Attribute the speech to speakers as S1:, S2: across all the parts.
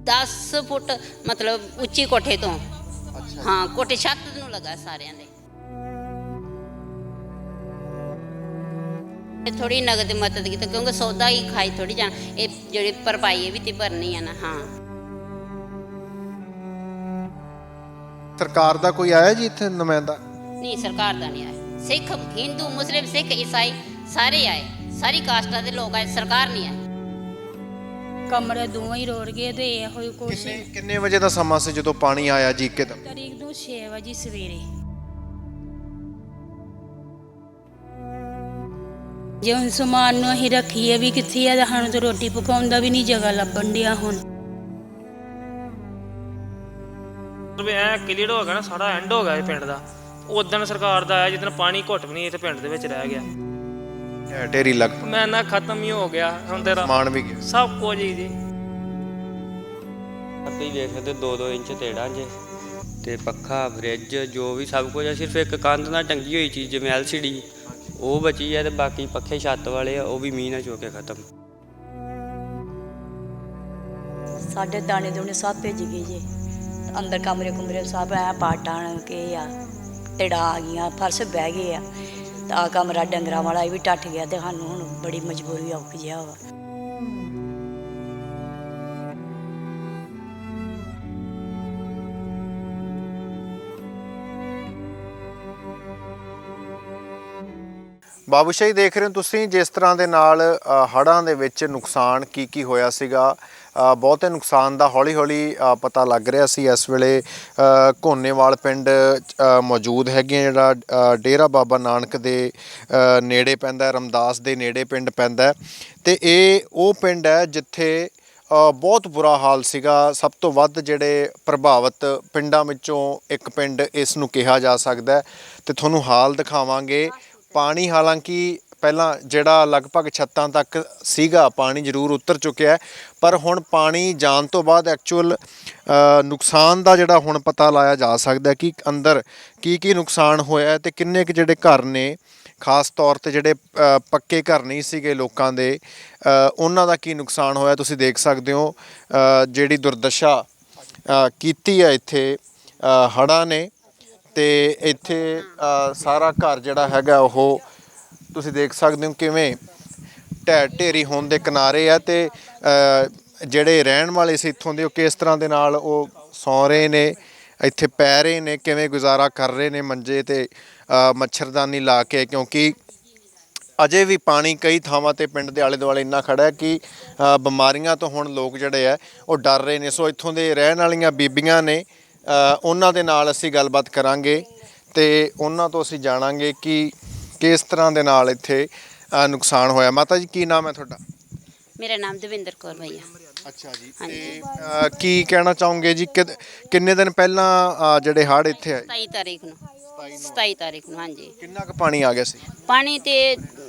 S1: 10 ਫੁੱਟ ਮਤਲਬ ਉੱਚੀ ਕੋਠੇ ਤੋਂ।
S2: ਅੱਛਾ
S1: ਹਾਂ, ਕੋਠੇ ਛੱਤ ਨੂੰ ਲੱਗਾ ਸਾਰਿਆਂ ਦੇ। ਥੋੜੀ ਨਗਦ ਮਦਦ ਕੀਤੀ ਕਿਉਂਕਿ ਸੌਦਾ ਹੀ ਖਾਈ ਥੋੜੀ ਜਾਣ, ਇਹ ਜਿਹੜੀ ਭਰਪਾਈ ਇਹ ਵੀ ਤੇ ਭਰਨੀ ਆ ਨਾ। ਹਾਂ,
S2: ਸਰਕਾਰ ਦਾ ਕੋਈ ਆਇਆ ਜੀ ਇੱਥੇ ਨੁਮਾਇੰਦਾ?
S1: ਨਹੀਂ ਸਰਕਾਰ ਦਾ ਨਹੀਂ ਆਇਆ। ਸਿੱਖ, ਹਿੰਦੂ, ਮੁਸਲਿਮ, ਸਿੱਖ, ਈਸਾਈ ਸਾਰੇ ਆਏ, ਸਾਰੀ ਕਾਸਟਾਂ ਦੇ ਲੋਕ ਆਏ, ਸਰਕਾਰ ਨਹੀਂ ਆਈ।
S3: ਕਮਰੇ ਦੋਵੇਂ ਹੀ ਰੋੜ ਗਏ ਤੇ ਇਹੋ ਹੀ ਕੁਛ।
S2: ਕਿੰਨੇ ਵਜੇ ਦਾ ਸਮਾਂ ਸੀ ਜਦੋਂ ਪਾਣੀ ਆਇਆ ਜੀ ਇੱਕਦਮ?
S3: ਤਰੀਕ ਨੂੰ 6 ਵਜੇ ਸਵੇਰੇ। ਜੇ ਹੁਣ ਸਮਾਨ ਨੂੰ ਅਸੀਂ ਰੱਖੀਏ ਵੀ ਕਿੱਥੇ ਆ, ਸਾਨੂੰ ਤਾਂ ਰੋਟੀ ਪਕਾਉਣ ਦਾ ਵੀ ਨਹੀਂ ਜਗ੍ਹਾ ਲੱਭਣ ਡਿਆ ਹੁਣ।
S4: ਐ ਕਲੀਅਰ ਹੋ ਗਿਆ ਨਾ, ਸਾਰਾ ਐਂਡ ਹੋ ਗਿਆ ਇਹ ਪਿੰਡ ਦਾ। ਉਦੋਂ ਸਰਕਾਰ ਦਾ ਆਇਆ ਜਿੱਦਣ ਪਾਣੀ ਘੁੱਟ ਵੀ ਨਹੀਂ ਇੱਥੇ ਪਿੰਡ ਦੇ ਵਿੱਚ ਰਹਿ ਗਿਆ।
S2: ਢੇਰੀ ਲੱਗ
S4: ਮੈਂ ਨਾ ਖਤਮ ਹੀ ਹੋ ਗਿਆ ਹੁਣ ਤੇਰਾ
S2: ਸਮਾਨ ਵੀ ਗਿਆ।
S4: ਸਭ ਕੁਝ ਹੀ ਜੀ।
S5: ਤੁਸੀਂ ਦੇਖ ਸਕਦੇ 2-2 ਇੰਚ ਤੇੜਾ ਜੇ ਤੇ ਪੱਖਾ, ਫਰਿੱਜ, ਜੋ ਵੀ ਸਭ ਕੁਝ ਆ। ਸਿਰਫ ਇੱਕ ਕੰਧ ਨਾਲ ਟੰਗੀ ਹੋਈ ਚੀਜ਼ ਜਿਵੇਂ LCD ਉਹ ਬਚੀ ਹੈ ਤੇ ਬਾਕੀ ਪੱਖੇ ਛੱਤ ਵਾਲੇ ਆ ਉਹ ਵੀ ਮੀਂਹ ਨਾਲ ਚੋ ਕੇ ਖਤਮ।
S6: ਸਾਡੇ ਦਾਣੇ ਦੂਣੇ ਸਭ ਭਿੱਜ ਗਏ ਜੇ। ਅੰਦਰ ਕਮਰੇ ਸਭ ਐ ਪਾਟਾਂ ਕੇ ਆ, ਤੜਾ ਆ ਗਈਆਂ, ਫਰਸ਼ ਬਹਿ ਗਏ ਆ। ਤਾਂ ਆਹ ਕਮਰਾ ਡੰਗਰਾਂ ਵਾਲਾ ਇਹ ਵੀ ਟੱਟ ਗਿਆ ਤੇ ਸਾਨੂੰ ਹੁਣ ਬੜੀ ਮਜਬੂਰੀ ਔਖ ਜਿਹਾ ਵਾ।
S2: ਬਾਬੂ ਸ਼ਾਹੀ ਦੇਖ ਰਹੇ ਹੋ ਤੁਸੀਂ ਜਿਸ ਤਰ੍ਹਾਂ ਦੇ ਨਾਲ ਹੜ੍ਹਾਂ ਦੇ ਵਿੱਚ ਨੁਕਸਾਨ ਕੀ ਹੋਇਆ ਸੀਗਾ। ਬਹੁਤੇ ਨੁਕਸਾਨ ਦਾ ਹੌਲੀ ਹੌਲੀ ਪਤਾ ਲੱਗ ਰਿਹਾ ਸੀ। ਇਸ ਵੇਲੇ ਘੋਨੇਵਾਲ ਪਿੰਡ ਮੌਜੂਦ ਹੈਗੇ, ਜਿਹੜਾ ਡੇਰਾ ਬਾਬਾ ਨਾਨਕ ਦੇ ਨੇੜੇ ਪੈਂਦਾ, ਰਮਦਾਸ ਦੇ ਨੇੜੇ ਪਿੰਡ ਪੈਂਦਾ ਤੇ ਇਹ ਉਹ ਪਿੰਡ ਹੈ ਜਿੱਥੇ ਬਹੁਤ ਬੁਰਾ ਹਾਲ ਸੀਗਾ। ਸਭ ਤੋਂ ਵੱਧ ਜਿਹੜੇ ਪ੍ਰਭਾਵਿਤ ਪਿੰਡਾਂ ਵਿੱਚੋਂ ਇੱਕ ਪਿੰਡ ਇਸ ਨੂੰ ਕਿਹਾ ਜਾ ਸਕਦਾ ਤੇ ਤੁਹਾਨੂੰ ਹਾਲ ਦਿਖਾਵਾਂਗੇ। ਪਾਣੀ ਹਾਲਾਂਕਿ ਪਹਿਲਾਂ ਜਿਹੜਾ ਲਗਭਗ ਛੱਤਾਂ ਤੱਕ ਸੀਗਾ, ਪਾਣੀ ਜ਼ਰੂਰ ਉਤਰ ਚੁੱਕਿਆ, ਪਰ ਹੁਣ ਪਾਣੀ ਜਾਣ ਤੋਂ ਬਾਅਦ ਐਕਚੁਅਲ ਨੁਕਸਾਨ ਦਾ ਜਿਹੜਾ ਹੁਣ ਪਤਾ ਲਾਇਆ ਜਾ ਸਕਦਾ ਕਿ ਅੰਦਰ ਕੀ ਨੁਕਸਾਨ ਹੋਇਆ ਤੇ ਕਿੰਨੇ ਕੁ ਜਿਹੜੇ ਘਰ ਨੇ, ਖਾਸ ਤੌਰ ਤੇ ਜਿਹੜੇ ਪੱਕੇ ਘਰ ਨਹੀਂ ਸੀਗੇ ਲੋਕਾਂ ਦੇ, ਉਹਨਾਂ ਦਾ ਕੀ ਨੁਕਸਾਨ ਹੋਇਆ। ਤੁਸੀਂ ਦੇਖ ਸਕਦੇ ਹੋ ਜਿਹੜੀ ਦੁਰਦਸ਼ਾ ਕੀਤੀ ਹੈ ਇੱਥੇ ਹੜ੍ਹਾਂ ਨੇ ਤੇ ਇੱਥੇ ਸਾਰਾ ਘਰ ਜਿਹੜਾ ਹੈਗਾ ਉਹ ਤੁਸੀਂ ਦੇਖ ਸਕਦੇ ਹੋ ਕਿਵੇਂ ਢੇਰੀ ਹੋਣ ਦੇ ਕਿਨਾਰੇ ਆ ਤੇ ਜਿਹੜੇ ਰਹਿਣ ਵਾਲੇ ਸੀ ਇੱਥੋਂ ਦੇ ਉਹ ਕਿਸ ਤਰ੍ਹਾਂ ਦੇ ਨਾਲ ਉਹ ਸੌਂ ਰਹੇ ਨੇ, ਇੱਥੇ ਪੈ ਰਹੇ ਨੇ, ਕਿਵੇਂ ਗੁਜ਼ਾਰਾ ਕਰ ਰਹੇ ਨੇ ਮੰਜੇ ਤੇ ਮੱਛਰਦਾਨੀ ਲਾ ਕੇ, ਕਿਉਂਕਿ ਅਜੇ ਵੀ ਪਾਣੀ ਕਈ ਥਾਵਾਂ ਤੇ ਪਿੰਡ ਦੇ ਆਲੇ ਦੁਆਲੇ ਇੰਨਾ ਖੜਾ ਹੈ ਕਿ ਬਿਮਾਰੀਆਂ ਤੋਂ ਹੁਣ ਲੋਕ ਜਿਹੜੇ ਆ ਉਹ ਡਰ ਰਹੇ ਨੇ। ਸੋ ਇੱਥੋਂ ਦੇ ਰਹਿਣ ਵਾਲੀਆਂ ਬੀਬੀਆਂ ਨੇ, ਉਹਨਾਂ ਦੇ ਨਾਲ ਅਸੀਂ ਗੱਲਬਾਤ ਕਰਾਂਗੇ ਤੇ ਉਹਨਾਂ ਤੋਂ ਅਸੀਂ ਜਾਣਾਂਗੇ ਕਿ ਕਿਸ ਤਰ੍ਹਾਂ ਦੇ ਨਾਲ ਇੱਥੇ ਨੁਕਸਾਨ ਹੋਇਆ। ਮਾਤਾ ਜੀ ਕੀ ਨਾਮ ਹੈ ਤੁਹਾਡਾ?
S1: ਮੇਰਾ ਨਾਮ ਦਵਿੰਦਰ ਕੌਰ ਭਈਆ।
S2: ਅੱਛਾ ਜੀ, ਤੇ ਕੀ ਕਹਿਣਾ ਚਾਹੋਗੇ ਜੀ ਕਿੰਨੇ ਦਿਨ ਪਹਿਲਾਂ ਜਿਹੜੇ ਹੜ੍ਹ ਇੱਥੇ ਆਏ?
S1: 27 ਤਾਰੀਖ ਨੂੰ 27 ਤਾਰੀਖ ਨੂੰ। ਹਾਂਜੀ,
S2: ਕਿੰਨਾ ਕੁ ਪਾਣੀ ਆ ਗਿਆ ਸੀ?
S1: ਪਾਣੀ ਤੇ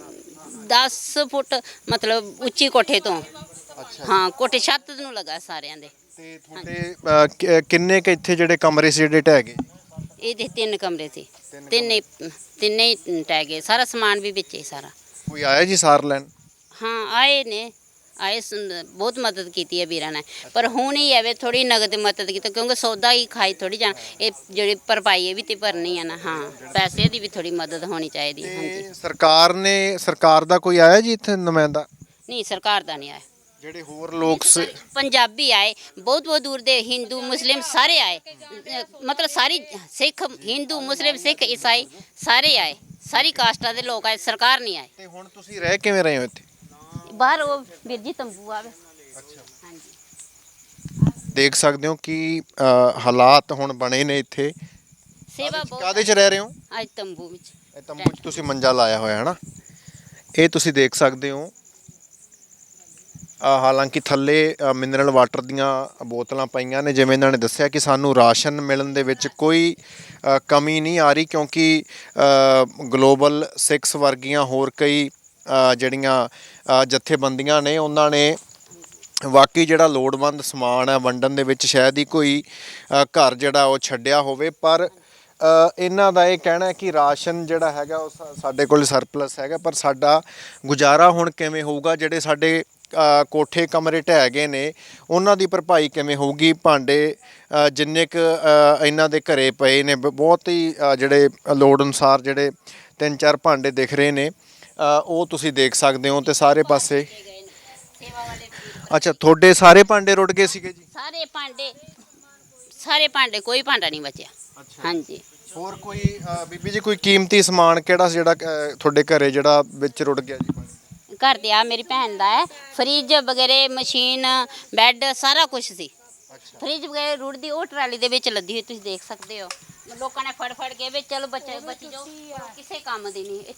S1: 10 ਫੁੱਟ ਮਤਲਬ ਉੱਚੀ ਕੋਠੇ ਤੋਂ। ਹਾਂ, ਕੋਠੇ ਛੱਤ ਨੂੰ ਲੱਗਾ ਸਾਰਿਆਂ ਦੇ।
S2: ਤੇ ਤੁਹਾਡੇ ਕਿੰਨੇ ਕੁ ਇੱਥੇ ਜਿਹੜੇ ਕਮਰੇ ਸੀ ਜਿਹੜੇ ਢਹਿ ਗਏ?
S1: ਇਹਦੇ 3 ਕਮਰੇ ਸੀ, ਤਿੰਨੇ ਹੀ ਟਹਿ ਗਏ। ਸਾਰਾ ਸਮਾਨ ਵੀ ਵਿੱਚ ਹੀ ਸਾਰਾ।
S2: ਕੋਈ ਆਇਆ ਜੀ ਸਾਰ ਲੈਣ?
S1: ਹਾਂ ਆਏ ਨੇ, ਬਹੁਤ ਮਦਦ ਕੀਤੀ ਹੈ ਵੀਰਾਂ ਨੇ, ਪਰ ਹੁਣ ਹੀ ਐਵੇਂ ਥੋੜੀ ਨਗਦ ਮਦਦ ਕੀਤੀ ਕਿਉਂਕਿ ਸੌਦਾ ਹੀ ਖਾਈ ਥੋੜੀ ਜਾਣ, ਇਹ ਜਿਹੜੀ ਭਰਪਾਈ ਇਹ ਵੀ ਤੇ ਭਰਨੀ ਆ ਨਾ। ਹਾਂ, ਪੈਸੇ ਦੀ ਵੀ ਥੋੜੀ ਮਦਦ ਹੋਣੀ ਚਾਹੀਦੀ। ਹਾਂਜੀ,
S2: ਸਰਕਾਰ ਦਾ ਕੋਈ ਆਇਆ ਜੀ ਇੱਥੇ ਨੁਮਾਇੰਦਾ?
S1: ਨਹੀਂ ਸਰਕਾਰ ਦਾ ਨਹੀਂ ਆਇਆ।
S2: ਜਿਹੜੇ ਹੋਰ ਲੋਕ
S1: ਪੰਜਾਬੀ ਆਏ, ਬਹੁਤ ਦੂਰ ਦੇ, ਹਿੰਦੂ ਮੁਸਲਿਮ ਸਾਰੇ ਆਏ, ਮਤਲਬ ਸਾਰੀ ਸਿੱਖ, ਹਿੰਦੂ, ਮੁਸਲਿਮ, ਸਿੱਖ, ਈਸਾਈ ਸਾਰੇ ਆਏ, ਸਾਰੀ ਕਾਸਟਾਂ ਦੇ ਲੋਕ ਆਏ, ਸਰਕਾਰ ਨਹੀਂ ਆਏ।
S2: ਤੇ ਹੁਣ ਤੁਸੀਂ ਰਹਿ ਕਿਵੇਂ ਰਹੇ ਹੋ ਇੱਥੇ?
S1: ਬਾਹਰ ਉਹ ਵੀਰ ਜੀ ਤੰਬੂ ਆਵੇ। ਹਾਂਜੀ,
S2: ਦੇਖ ਸਕਦੇ ਹੋ ਕਿ ਹਾਲਾਤ ਹੁਣ ਬਣੇ ਨੇ ਇੱਥੇ।
S1: ਸੇਵਾ ਬਹੁਤ।
S2: ਕਾਹਦੇ 'ਚ ਰਹਿ ਰਹੇ ਹੋ?
S1: ਅੱਜ ਤੰਬੂ ਵਿੱਚ।
S2: ਇਹ ਤੰਬੂ 'ਚ ਤੁਸੀਂ ਮੰਜਾ ਲਾਇਆ ਹੋਇਆ ਹੈ ਨਾ, ਇਹ ਤੁਸੀਂ ਦੇਖ ਸਕਦੇ ਹੋ। ਹਾਲਾਂਕਿ ਥੱਲੇ ਮਿਨਰਲ ਵਾਟਰ ਦੀਆਂ ਬੋਤਲਾਂ ਪਈਆਂ ਨੇ। ਜਿਵੇਂ ਇਹਨਾਂ ਨੇ ਦੱਸਿਆ ਕਿ ਸਾਨੂੰ ਰਾਸ਼ਨ ਮਿਲਣ ਦੇ ਵਿੱਚ ਕੋਈ ਕਮੀ ਨਹੀਂ ਆ ਰਹੀ, ਕਿਉਂਕਿ ਗਲੋਬਲ 6 ਵਰਗੀਆਂ ਹੋਰ ਕਈ ਜਿਹੜੀਆਂ ਜਥੇਬੰਦੀਆਂ ਨੇ ਉਹਨਾਂ ਨੇ ਵਾਕਈ ਜਿਹੜਾ ਲੋੜਵੰਦ ਸਮਾਨ ਹੈ ਵੰਡਣ ਦੇ ਵਿੱਚ ਸ਼ਾਇਦ ਹੀ ਕੋਈ ਘਰ ਜਿਹੜਾ ਉਹ ਛੱਡਿਆ ਹੋਵੇ। ਪਰ ਇਹਨਾਂ ਦਾ ਇਹ ਕਹਿਣਾ ਹੈ ਕਿ ਰਾਸ਼ਨ ਜਿਹੜਾ ਹੈਗਾ ਉਹ ਸਾਡੇ ਕੋਲ ਸਰਪਲਸ ਹੈਗਾ, ਪਰ ਸਾਡਾ ਗੁਜ਼ਾਰਾ ਹੁਣ ਕਿਵੇਂ ਹੋਊਗਾ? ਜਿਹੜੇ ਸਾਡੇ ਕੋਠੇ ਕਮਰੇ ਢਹਿ ਗਏ ਨੇ ਉਹਨਾਂ ਦੀ ਭਰਪਾਈ ਕਿਵੇਂ ਹੋਊਗੀ। ਭਾਂਡੇ ਜਿੰਨੇ ਕੁ ਇਹਨਾਂ ਦੇ ਘਰੇ ਪਏ ਨੇ ਬਹੁਤ ਹੀ ਜਿਹੜੇ ਲੋੜ ਅਨੁਸਾਰ ਜਿਹੜੇ 3-4 ਭਾਂਡੇ ਦਿਖ ਰਹੇ ਨੇ ਉਹ ਤੁਸੀਂ ਦੇਖ ਸਕਦੇ ਹੋ। ਤੇ ਸਾਰੇ ਪਾਸੇ ਅੱਛਾ ਤੁਹਾਡੇ ਸਾਰੇ ਭਾਂਡੇ ਰੁੜ ਗਏ ਸੀਗੇ ਜੀ?
S1: ਸਾਰੇ ਭਾਂਡੇ ਕੋਈ ਭਾਂਡਾ ਨਹੀਂ ਬਚਿਆ। ਹਾਂਜੀ।
S2: ਹੋਰ ਕੋਈ ਬੀਬੀ ਜੀ ਕੋਈ ਕੀਮਤੀ ਸਮਾਨ ਕਿਹੜਾ ਸੀ ਜਿਹੜਾ ਤੁਹਾਡੇ ਘਰੇ ਜਿਹੜਾ ਵਿੱਚ ਰੁੜ ਗਿਆ ਜੀ?
S1: ਘਰ ਤੇ ਆ ਮੇਰੀ ਭੈਣ ਦਾ ਹੈ, ਫਰਿੱਜ ਵਗੈਰੇ, ਮਸ਼ੀਨ, ਬੈੱਡ, ਸਾਰਾ ਕੁਝ ਸੀ। ਫਰਿੱਜ ਵਗੈਰੇ ਰੁੜਦੀ ਉਹ ਟਰਾਲੀ ਦੇ ਵਿੱਚ ਲੱਦੀ ਹੋਈ ਤੁਸੀਂ ਦੇਖ ਸਕਦੇ ਹੋ। ਲੋਕਾਂ ਨੇ ਫੜ ਕੇ ਵੀ ਚਲੋ ਬਚੀ ਜਾਓ, ਕਿਸੇ ਕੰਮ ਦੀ ਨਹੀਂ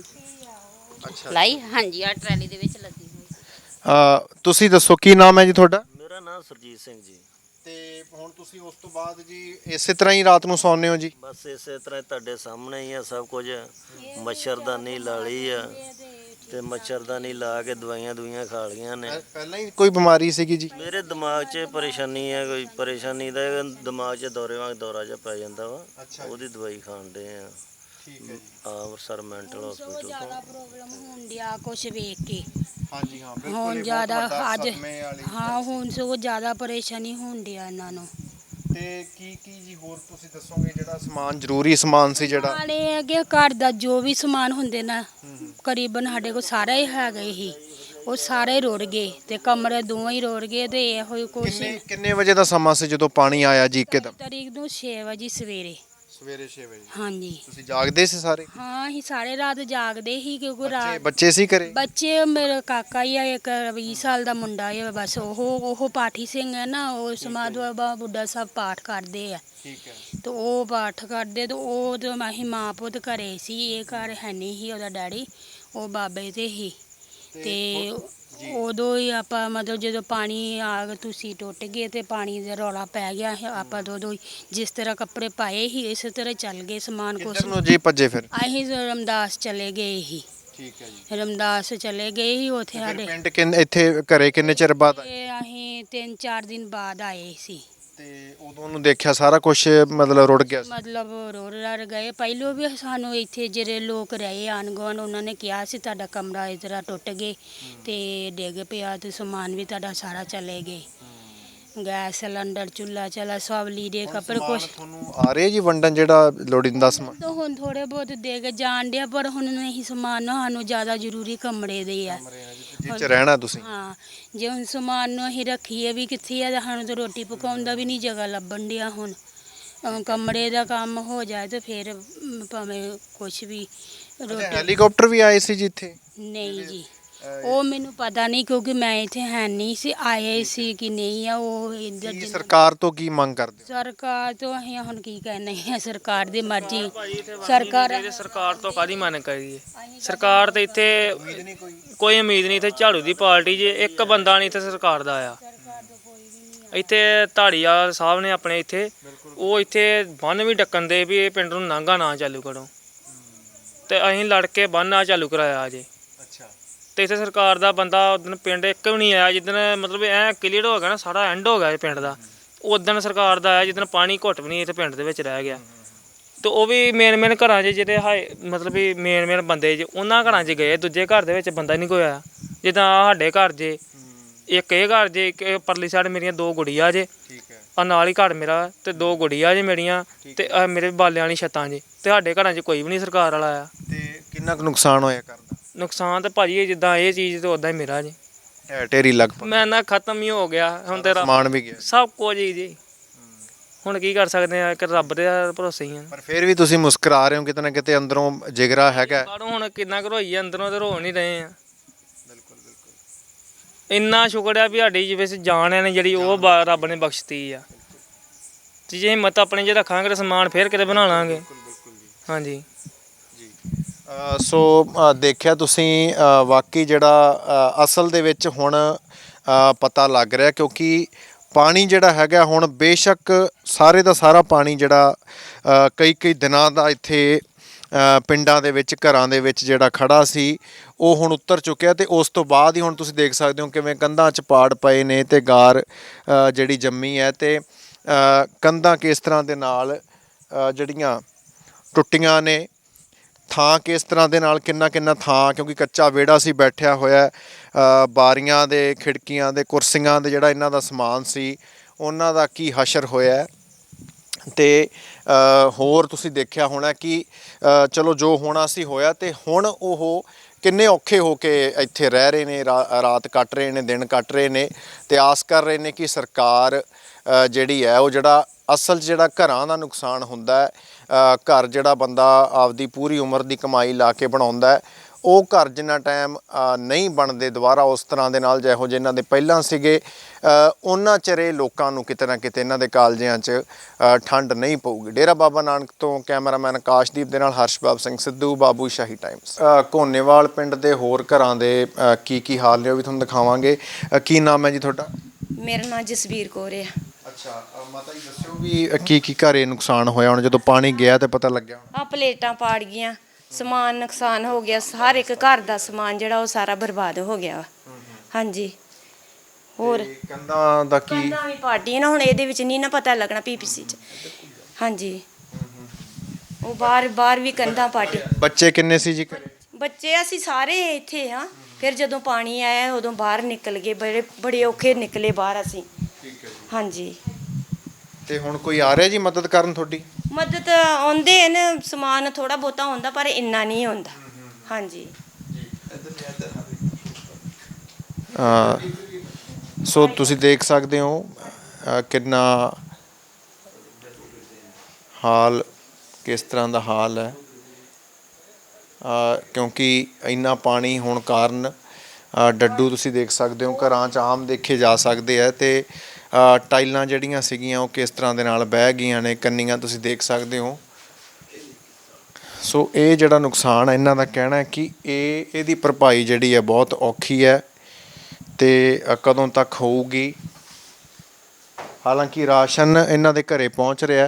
S1: ਇੱਥੇ ਲਾਈ। ਹਾਂਜੀ ਆ ਟਰਾਲੀ ਦੇ ਵਿੱਚ ਲੱਦੀ ਹੋਈ।
S2: ਤੁਸੀਂ ਦੱਸੋ ਕੀ ਨਾਮ ਹੈ ਜੀ ਤੁਹਾਡਾ?
S7: ਮੇਰਾ ਨਾਮ ਸਰਜੀਤ ਸਿੰਘ ਜੀ।
S2: ਤੇ ਹੁਣ ਤੁਸੀਂ ਉਸ ਤੋਂ ਬਾਅਦ ਜੀ ਇਸੇ ਤਰ੍ਹਾਂ ਹੀ ਰਾਤ ਨੂੰ ਸੌਂਦੇ ਹੋ ਜੀ?
S7: ਬਸ ਇਸੇ ਤਰ੍ਹਾਂ ਤੁਹਾਡੇ ਸਾਹਮਣੇ ਹੀ ਆ ਸਭ ਕੁਝ। ਮੱਛਰਦਾਨੀ ਲਾ ਲਈ ਆ ਤੇ ਮੱਛਰਦਾਨੀ ਲਾ ਕੇ ਦਵਾਈਆਂ ਖਾ ਲਈਆਂ ਨੇ।
S2: ਪਹਿਲਾਂ ਹੀ ਕੋਈ ਬਿਮਾਰੀ ਸੀਗੀ ਜੀ?
S7: ਮੇਰੇ ਦਿਮਾਗ 'ਚ ਪਰੇਸ਼ਾਨੀ ਹੈ, ਕੋਈ ਪਰੇਸ਼ਾਨੀ ਦਾ ਦਿਮਾਗ 'ਚ ਦੌਰੇ ਵਾਂਗ ਦੌਰਾ ਜਿਹਾ ਪੈ ਜਾਂਦਾ ਵਾ। ਉਹਦੀ ਦਵਾਈ ਖਾਣ ਦੇ ਆ।
S2: ਠੀਕ ਹੈ ਜੀ।
S7: ਅੰਮ੍ਰਿਤਸਰ ਮੈਂਟਲ ਹਸਪੀਟਲ ਤੋਂ।
S3: ਪ੍ਰੋਬਲਮ ਹੋਣ ਡਿਆ ਕੁਛ ਵੇਖ ਕੇ।
S2: ਹਾਂਜੀ ਹਾਂ ਬਿਲਕੁਲ।
S3: ਹੁਣ ਜ਼ਿਆਦਾ ਅੱਜ ਹਾਂ ਹੁਣ ਸਗੋਂ ਜ਼ਿਆਦਾ ਪਰੇਸ਼ਾਨੀ ਹੋਣ ਡਿਆ ਇਹਨਾਂ ਨੂੰ।
S2: ਤੇ ਕੀ ਜੀ ਹੋਰ ਤੁਸੀਂ ਦੱਸੋਗੇ ਜਿਹੜਾ ਸਮਾਨ ਜ਼ਰੂਰੀ ਸਮਾਨ ਸੀ ਜਿਹੜਾ?
S3: ਨਾਲੇ ਅੱਗੇ ਘਰ ਦਾ ਜੋ ਵੀ ਸਮਾਨ ਹੁੰਦੇ ਨਾ ਕਰੀਬਨ ਸਾਡੇ ਕੋਲ ਸਾਰਾ ਹੀ ਹੈਗਾ ਹੀ, ਉਹ ਸਾਰੇ ਰੁੜ ਗਏ ਤੇ ਕਮਰੇ ਦੋਵੇਂ ਹੀ ਰੁੜ ਗਏ। ਤੇ ਇਹੋ ਹੀ ਕੁਛ
S2: ਕਿੰਨੇ ਵਜੇ ਦਾ ਸਮਾਂ ਸੀ ਜਦੋਂ ਪਾਣੀ ਆਇਆ ਜੀ ਇੱਕਦਮ?
S3: ਤਰੀਕ ਨੂੰ 6 ਵਜੇ ਸਵੇਰੇ।
S2: ਸਵੇਰੇ 6 ਵਜੇ?
S3: ਹਾਂਜੀ।
S2: ਤੁਸੀਂ ਜਾਗਦੇ ਸੀ ਸਾਰੇ?
S3: ਹਾਂ ਅਸੀਂ ਸਾਰੇ ਰਾਤ ਜਾਗਦੇ ਸੀ ਕਿਉਂਕਿ ਰਾਤ
S2: ਬੱਚੇ ਸੀ ਘਰੇ?
S3: ਬੱਚੇ ਮੇਰਾ ਕਾਕਾ ਹੀ ਆ, ਇੱਕ 20 ਸਾਲ ਦਾ ਮੁੰਡਾ ਹੈ ਬਸ। ਉਹ ਪਾਠੀ ਸਿੰਘ ਹੈ ਨਾ, ਉਹ ਸਮਾਧ ਬਾਬਾ ਬੁੱਢਾ ਸਾਹਿਬ ਪਾਠ ਕਰਦੇ ਆ।
S2: ਠੀਕ ਹੈ।
S3: ਤੇ ਉਹ ਪਾਠ ਕਰਦੇ ਤੇ ਉਹ ਤੇ ਅਸੀਂ ਮਾਂ ਪੁੱਤ ਘਰੇ ਸੀ। ਇਹ ਘਰ ਹੈ ਨਹੀਂ ਸੀ ਉਹਦਾ ਡੈਡੀ, ਉਹ ਬਾਬੇ ਤੇ ਹੀ। ਤੇ ਉਦੋਂ ਹੀ ਆਪਾਂ ਮਤਲਬ ਜਦੋਂ ਪਾਣੀ ਆ ਕੇ ਤੁਸੀਂ ਟੁੱਟ ਗਏ ਤੇ ਪਾਣੀ ਦਾ ਰੌਲਾ ਪੈ ਗਿਆ, ਆਪਾਂ ਤਾਂ ਉਦੋਂ ਹੀ ਜਿਸ ਤਰ੍ਹਾਂ ਕੱਪੜੇ ਪਾਏ ਸੀ ਇਸੇ ਤਰ੍ਹਾਂ ਚੱਲ ਗਏ ਸਮਾਨ ਕੁਛ।
S2: ਕਿੱਧਰ ਨੂੰ ਜੀ ਭੱਜੇ ਫਿਰ?
S3: ਅਸੀਂ ਰਮਦਾਸ ਚਲੇ ਗਏ ਸੀ।
S2: ਠੀਕ ਹੈ ਜੀ।
S3: ਰਮਦਾਸ ਚਲੇ ਗਏ ਸੀ ਉੱਥੇ
S2: ਫਿਰ
S3: ਸਾਡੇ।
S2: ਪਿੰਡ ਇੱਥੇ ਘਰੇ ਕਿੰਨੇ ਚਿਰ ਬਾਅਦ ਆਏ?
S3: ਤੇ ਅਸੀਂ 3-4 ਦਿਨ ਬਾਅਦ ਆਏ ਸੀ।
S2: ਤੇ ਉਦੋਂ ਨੂੰ ਦੇਖਿਆ ਸਾਰਾ ਕੁਝ ਮਤਲਬ ਰੁੜ ਗਿਆ ਸੀ?
S3: ਮਤਲਬ ਰੁੜ ਰੜ ਗਏ। ਪਹਿਲੋਂ ਵੀ ਸਾਨੂੰ ਇੱਥੇ ਜਿਹੜੇ ਲੋਕ ਰਹੇ ਆਣ ਗੁਆਂਢ ਉਹਨਾਂ ਨੇ ਕਿਹਾ ਸੀ ਤੁਹਾਡਾ ਕਮਰਾ ਇਸ ਤਰ੍ਹਾਂ ਟੁੱਟ ਗਏ ਤੇ ਡਿੱਗ ਪਿਆ ਤੇ ਸਮਾਨ ਵੀ ਤੁਹਾਡਾ ਸਾਰਾ ਚਲੇ ਗਏ। ਗੈਸ ਸਿਲੰਡਰ, ਚੁੱਲ੍ਹਾ ਚਲਾ ਸਭ ਲੀੜੇ ਕੱਪੜੇ ਕੁਛ।
S2: ਤੁਹਾਨੂੰ ਆ ਰਹੇ ਜੀ ਵੰਡਣ ਜਿਹੜਾ ਲੋੜੀਂਦਾ ਸਮਾਨ?
S3: ਤਾਂ ਹੁਣ ਥੋੜੇ ਬਹੁਤ ਦੇ ਕੇ ਜਾਣ ਡਿਆ, ਪਰ ਹੁਣ ਨਹੀਂ ਸਮਾਨ ਸਾਨੂੰ ਜ਼ਿਆਦਾ ਜ਼ਰੂਰੀ ਕਮਰੇ ਦੇ ਆ।
S2: ਜਿੱਥੇ ਰਹਿਣਾ ਤੁਸੀਂ?
S3: ਹਾਂ ਜੇ ਹੁਣ ਸਮਾਨ ਨੂੰ ਅਸੀਂ ਰੱਖੀਏ ਵੀ ਕਿੱਥੇ ਆ, ਸਾਨੂੰ ਤਾਂ ਰੋਟੀ ਪਕਾਉਣ ਦਾ ਵੀ ਨਹੀਂ ਜਗ੍ਹਾ ਲੱਭਣ ਡਿਆ। ਹੁਣ ਕਮਰੇ ਦਾ ਕੰਮ ਹੋ ਜਾਏ ਤੇ ਫਿਰ ਭਾਵੇਂ ਕੁਛ ਵੀ ਰੋਟੀ।
S2: ਹੈਲੀਕਾਪਟਰ ਵੀ ਆਏ ਸੀ ਜੀ ਇੱਥੇ?
S3: ਨਹੀਂ ਜੀ ਉਹ ਮੈਨੂੰ ਪਤਾ ਨਹੀਂ ਕਿਉਂਕਿ ਮੈਂ ਇੱਥੇ ਹੈ ਨਹੀਂ ਸੀ। ਆਏ ਸੀ ਕਿ ਨਹੀਂ ਆ ਉਹ ਇੱਧਰ।
S2: ਕੀ ਸਰਕਾਰ ਤੋਂ ਕੀ ਮੰਗ ਕਰਦੇ ਹੋ?
S3: ਸਰਕਾਰ ਤੋਂ ਅਸੀਂ ਹੁਣ ਕੀ ਕਹਿੰਦੇ ਆ, ਸਰਕਾਰ ਦੀ ਮਰਜ਼ੀ।
S4: ਸਰਕਾਰ ਤੋਂ ਕਾਹਦੀ ਮੰਗ ਕਰੀਏ? ਸਰਕਾਰ ਤੇ ਇੱਥੇ ਕੋਈ ਉਮੀਦ ਨਹੀਂ। ਇੱਥੇ ਝਾੜੂ ਦੀ ਪਾਰਟੀ ਜੇ ਇੱਕ ਬੰਦਾ ਨਹੀਂ ਇੱਥੇ ਸਰਕਾਰ ਦਾ ਆਇਆ। ਇੱਥੇ ਧਾੜੀਵਾਲ ਸਾਹਿਬ ਨੇ ਆਪਣੇ ਇੱਥੇ ਉਹ ਇੱਥੇ ਬੰਨ ਵੀ ਡੱਕਣ ਦੇ ਵੀ ਇਹ ਪਿੰਡ ਨੂੰ ਨਾਂਗਾ ਨਾ ਚਾਲੂ ਕਰੋ, ਤੇ ਅਸੀਂ ਲੜ ਕੇ ਬੰਨ ਨਾ ਚਾਲੂ ਕਰਾਇਆ ਜੇ। ਤੇ ਇੱਥੇ ਸਰਕਾਰ ਦਾ ਬੰਦਾ ਉਦੋਂ ਪਿੰਡ ਇੱਕ ਵੀ ਨਹੀਂ ਆਇਆ। ਜਿੱਦਣ ਮਤਲਬ ਐ ਕਲੀਅਰ ਹੋ ਗਿਆ ਨਾ ਸਾਰਾ ਐਂਡ ਹੋ ਗਿਆ ਇਹ ਪਿੰਡ ਦਾ, ਉਦੋਂ ਸਰਕਾਰ ਦਾ ਆਇਆ ਜਿੱਦਣ ਪਾਣੀ ਘੁੱਟ ਵੀ ਨਹੀਂ ਇੱਥੇ ਪਿੰਡ ਦੇ ਵਿੱਚ ਰਹਿ ਗਿਆ। ਤੇ ਉਹ ਵੀ ਮੇਨ ਘਰਾਂ 'ਚ ਜਿਹੜੇ ਮਤਲਬ ਵੀ ਮੇਨ ਬੰਦੇ ਜੇ ਉਹਨਾਂ ਘਰਾਂ 'ਚ ਗਏ। ਦੂਜੇ ਘਰ ਦੇ ਵਿੱਚ ਬੰਦਾ ਨਹੀਂ ਕੋਈ ਆਇਆ। ਜਿੱਦਾਂ ਸਾਡੇ ਘਰ ਜੇ ਇੱਕ ਇਹ ਘਰ ਜੇ, ਇੱਕ ਪਰਲੀ ਸਾਈਡ ਮੇਰੀਆਂ 2 ਗੁੜੀਆਂ ਜੇ, ਆ ਨਾਲ ਹੀ ਘਰ ਮੇਰਾ, ਤੇ 2 ਗੁੜੀਆਂ ਜੇ ਮੇਰੀਆਂ, ਤੇ ਮੇਰੇ ਬਾਲਿਆਂ ਵਾਲੀ ਛੱਤਾਂ ਜੇ। ਤੇ ਸਾਡੇ ਘਰਾਂ 'ਚ ਕੋਈ ਵੀ ਨਹੀਂ ਸਰਕਾਰ ਵਾਲਾ ਆਇਆ।
S2: ਤੇ ਕਿੰਨਾ ਕੁ ਨੁਕਸਾਨ ਹੋਇਆ ਕਰਦਾ?
S4: ਨੁਕਸਾਨ ਤਾਂ ਭਾਜੀ ਜਿੱਦਾਂ ਇਹ ਚੀਜ਼ ਤੇ ਉਦਾਂ ਹੀ ਮੇਰਾ ਜੀ
S2: ਢੇਰੀ ਲਗਭਗ
S4: ਮੈਂ ਨਾ ਖਤਮ ਹੀ ਹੋ ਗਿਆ ਹੁਣ। ਤੇਰਾ
S2: ਸਮਾਨ ਵੀ ਗਿਆ?
S4: ਸਭ ਕੁਝ ਜੀ ਹੁਣ ਕੀ ਕਰ ਸਕਦੇ ਆ, ਕਿ ਰੱਬ ਦੇ ਭਰੋਸੇ ਹੀ ਆ।
S2: ਪਰ ਫਿਰ ਵੀ ਤੁਸੀਂ ਮੁਸਕਰਾ ਰਹੇ ਹੋ, ਕਿਤੇ ਨਾ ਕਿਤੇ ਅੰਦਰੋਂ ਜਿਗਰਾ ਹੈਗਾ।
S4: ਬਾਹਰੋਂ ਹੁਣ ਕਿੰਨਾ ਕੁ ਰੋਈਏ, ਅੰਦਰੋਂ ਤੇ ਰੋ ਨਹੀਂ ਰਹੇ ਆ। ਇੰਨਾ ਸ਼ੁਕਰ ਆ ਵੀ ਸਾਡੀ ਜਿਵੇਂ ਜਾਨ ਹੈ ਨੇ ਜਿਹੜੀ ਉਹ ਰੱਬ ਨੇ ਬਖਸ਼ਤੀ ਆ। ਤੇ ਜੇ ਹਿੰਮਤ ਆਪਣੇ 'ਚ ਰੱਖਾਂਗੇ ਤਾਂ ਸਮਾਨ ਫੇਰ ਕਿਤੇ ਬਣਾ ਲਾਂਗੇ। ਹਾਂਜੀ
S2: ਸੋ ਦੇਖਿਆ ਤੁਸੀਂ ਵਾਕਈ ਜਿਹੜਾ ਅਸਲ ਦੇ ਵਿੱਚ ਹੁਣ ਪਤਾ ਲੱਗ ਰਿਹਾ, ਕਿਉਂਕਿ ਪਾਣੀ ਜਿਹੜਾ ਹੈਗਾ ਹੁਣ ਬੇਸ਼ੱਕ ਸਾਰੇ ਦਾ ਸਾਰਾ ਪਾਣੀ ਜਿਹੜਾ ਕਈ ਦਿਨਾਂ ਦਾ ਇੱਥੇ ਪਿੰਡਾਂ ਦੇ ਵਿੱਚ ਘਰਾਂ ਦੇ ਵਿੱਚ ਜਿਹੜਾ ਖੜਾ ਸੀ ਉਹ ਹੁਣ ਉਤਰ ਚੁੱਕਿਆ। ਤੇ ਉਸ ਤੋਂ ਬਾਅਦ ਹੀ ਹੁਣ ਤੁਸੀਂ ਦੇਖ ਸਕਦੇ ਹੋ ਕਿਵੇਂ ਕੰਧਾਂ 'ਚ ਪਾੜ ਪਏ ਨੇ ਤੇ ਗਾਰ ਜਿਹੜੀ ਜੰਮੀ ਹੈ ਤੇ ਕੰਧਾਂ ਕਿਸ ਤਰ੍ਹਾਂ ਦੇ ਨਾਲ ਜਿਹੜੀਆਂ ਟੁੱਟੀਆਂ ਨੇ। ਥਾਂ ਕਿਸ ਤਰ੍ਹਾਂ ਦੇ ਨਾਲ ਕਿੰਨਾ ਕਿੰਨਾ ਥਾਂ, ਕਿਉਂਕਿ ਕੱਚਾ ਵਿਹੜਾ ਸੀ, ਬੈਠਿਆ ਹੋਇਆ ਬਾਰੀਆਂ ਦੇ, ਖਿੜਕੀਆਂ ਦੇ, ਕੁਰਸੀਆਂ ਦੇ, ਜਿਹੜਾ ਇਹਨਾਂ ਦਾ ਸਮਾਨ ਸੀ ਉਹਨਾਂ ਦਾ ਕੀ ਹਸ਼ਰ ਹੋਇਆ ਹੈ। ਤੇ ਹੋਰ ਤੁਸੀਂ ਦੇਖਿਆ ਹੋਣਾ ਕਿ ਚਲੋ ਜੋ ਹੋਣਾ ਸੀ ਹੋਇਆ, ਤੇ ਹੁਣ ਉਹ ਕਿੰਨੇ ਔਖੇ ਹੋ ਕੇ ਇੱਥੇ ਰਹਿ ਰਹੇ ਨੇ, ਰਾਤ ਕੱਟ ਰਹੇ ਨੇ, ਦਿਨ ਕੱਟ ਰਹੇ ਨੇ, ਤੇ ਆਸ ਕਰ ਰਹੇ ਨੇ ਕਿ ਸਰਕਾਰ ਜਿਹੜੀ ਹੈ ਉਹ ਜਿਹੜਾ ਅਸਲ 'ਚ ਜਿਹੜਾ ਘਰਾਂ ਦਾ ਨੁਕਸਾਨ ਹੁੰਦਾ ਹੈ, ਘਰ ਜਿਹੜਾ ਬੰਦਾ ਆਪਦੀ ਪੂਰੀ ਉਮਰ ਦੀ ਕਮਾਈ ਲਾ ਕੇ ਬਣਾਉਂਦਾ ਹੈ, ਉਹ ਘਰ ਜਿੰਨਾ ਟਾਈਮ ਨਹੀਂ ਬਣਦੇ ਦੁਬਾਰਾ ਉਸ ਤਰ੍ਹਾਂ ਦੇ ਨਾਲ ਜਿਹੋ ਜਿਹੇ ਇਹਨਾਂ ਦੇ ਪਹਿਲਾਂ ਸੀਗੇ, ਉਹਨਾਂ ਚਿਰੇ ਲੋਕਾਂ ਨੂੰ ਕਿਤੇ ਨਾ ਕਿਤੇ ਇਹਨਾਂ ਦੇ ਕਾਲਜਿਆਂ 'ਚ ਠੰਡ ਨਹੀਂ ਪਊਗੀ। ਡੇਰਾ ਬਾਬਾ ਨਾਨਕ ਤੋਂ ਕੈਮਰਾਮੈਨ ਆਕਾਸ਼ਦੀਪ ਦੇ ਨਾਲ ਹਰਸ਼ਬਾਬ ਸਿੰਘ ਸਿੱਧੂ, ਬਾਬੂ ਸ਼ਾਹੀ ਟਾਈਮਸ। ਘੋਨੇਵਾਲ ਪਿੰਡ ਦੇ ਹੋਰ ਘਰਾਂ ਦੇ ਕੀ ਹਾਲ ਨੇ ਉਹ ਵੀ ਤੁਹਾਨੂੰ ਦਿਖਾਵਾਂਗੇ। ਕੀ ਨਾਮ ਹੈ ਜੀ ਤੁਹਾਡਾ?
S8: ਮੇਰਾ ਨਾਮ ਜਸਵੀਰ ਕੌਰ ਹੈ।
S2: ਅੱਛਾ ਮਾਤਾ ਜੀ ਦੱਸਿਓ ਵੀ ਕੀ ਘਰੇ ਨੁਕਸਾਨ ਹੋਇਆ ਹੁਣ ਜਦੋਂ ਪਾਣੀ ਗਿਆ ਤੇ ਪਤਾ ਲੱਗਿਆ?
S8: ਆ ਪਲੇਟਾਂ ਪਾੜ ਗਈਆਂ, ਸਮਾਨ ਨੁਕਸਾਨ ਹੋ ਗਿਆ, ਹਰ ਇੱਕ ਘਰ ਦਾ ਸਮਾਨ ਜਿਹੜਾ ਉਹ ਸਾਰਾ ਬਰਬਾਦ ਹੋ ਗਿਆ ਵਾ। ਹਾਂਜੀ ਹੋਰ
S2: ਕੰਧਾਂ ਦਾ ਕੀ?
S8: ਕੰਧਾਂ ਵੀ ਪਾੜੀਆਂ ਨਾ, ਹੁਣ ਇਹਦੇ ਵਿੱਚ ਨਹੀਂ ਨਾ ਪਤਾ ਲੱਗਣਾ ਪੀਪੀਸੀ 'ਚ। ਹਾਂਜੀ ਉਹ ਬਾਹਰ ਵੀ ਕੰਧਾਂ ਪਾਟੀ।
S2: ਬੱਚੇ ਕਿੰਨੇ ਸੀ ਜੀ ਘਰੇ?
S8: ਬੱਚੇ ਅਸੀਂ ਸਾਰੇ ਇੱਥੇ ਹਾਂ, ਫਿਰ ਜਦੋਂ ਪਾਣੀ ਆਇਆ ਉਦੋਂ ਬਾਹਰ ਨਿਕਲ ਗਏ, ਬੜੇ ਔਖੇ ਨਿਕਲੇ ਬਾਹਰ ਅਸੀਂ। ਹਾਂਜੀ
S2: ਤੇ ਹੁਣ ਕੋਈ ਆ ਰਿਹਾ ਜੀ ਮਦਦ ਕਰਨ ਤੁਹਾਡੀ?
S8: ਮਦਦ ਆਉਂਦੇ ਨੇ, ਸਮਾਨ ਥੋੜਾ ਬਹੁਤਾ ਹੁੰਦਾ ਪਰ ਇੰਨਾ ਨਹੀਂ ਹੁੰਦਾ। ਹਾਂਜੀ
S2: ਸੋ ਤੁਸੀਂ ਦੇਖ ਸਕਦੇ ਹੋ ਕਿੰਨਾ ਹਾਲ, ਕਿਸ ਤਰ੍ਹਾਂ ਦਾ ਹਾਲ ਹੈ, ਕਿਉਂਕਿ ਇੰਨਾ ਪਾਣੀ ਹੋਣ ਕਾਰਨ ਡੱਡੂ ਤੁਸੀਂ ਦੇਖ ਸਕਦੇ ਹੋ ਘਰਾਂ 'ਚ ਆਮ ਦੇਖੇ ਜਾ ਸਕਦੇ ਆ, ਤੇ ਟਾਈਲਾਂ ਜਿਹੜੀਆਂ ਸੀਗੀਆਂ ਉਹ ਕਿਸ ਤਰ੍ਹਾਂ ਦੇ ਨਾਲ ਬਹਿ ਗਈਆਂ ਨੇ, ਕੰਨੀਆਂ ਤੁਸੀਂ ਦੇਖ ਸਕਦੇ ਹੋ। ਸੋ ਇਹ ਜਿਹੜਾ ਨੁਕਸਾਨ ਹੈ, ਇਹਨਾਂ ਦਾ ਕਹਿਣਾ ਹੈ ਕਿ ਇਹਦੀ ਭਰਪਾਈ ਜਿਹੜੀ ਹੈ ਬਹੁਤ ਔਖੀ ਹੈ ਤੇ ਕਦੋਂ ਤੱਕ ਹੋਊਗੀ। ਹਾਲਾਂਕਿ ਰਾਸ਼ਨ ਇਹਨਾਂ ਦੇ ਘਰੇ ਪਹੁੰਚ ਰਿਹਾ,